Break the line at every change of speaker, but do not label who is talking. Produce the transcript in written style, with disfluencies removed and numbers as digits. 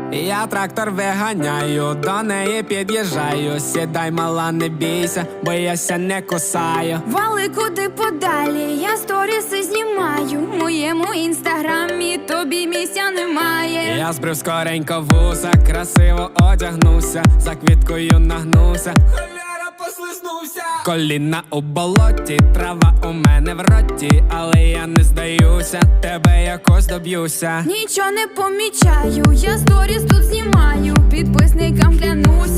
Я трактор виганяю, до неї під'їжджаю. Сідай, мала, не бійся, бо я ся не кусаю.
Вали куди подалі, я сторіси знімаю. В моєму інстаграмі тобі місця немає.
Я збрив скоренько вуса, красиво одягнувся, за квіткою нагнувся. Холєра, послизнувся. Коліна у болоті, трава у мене в роті, але я не здаюся, тебе якось доб'юся.
Нічого не помічаю, я сторіс тут знімаю. Підписникам клянуся,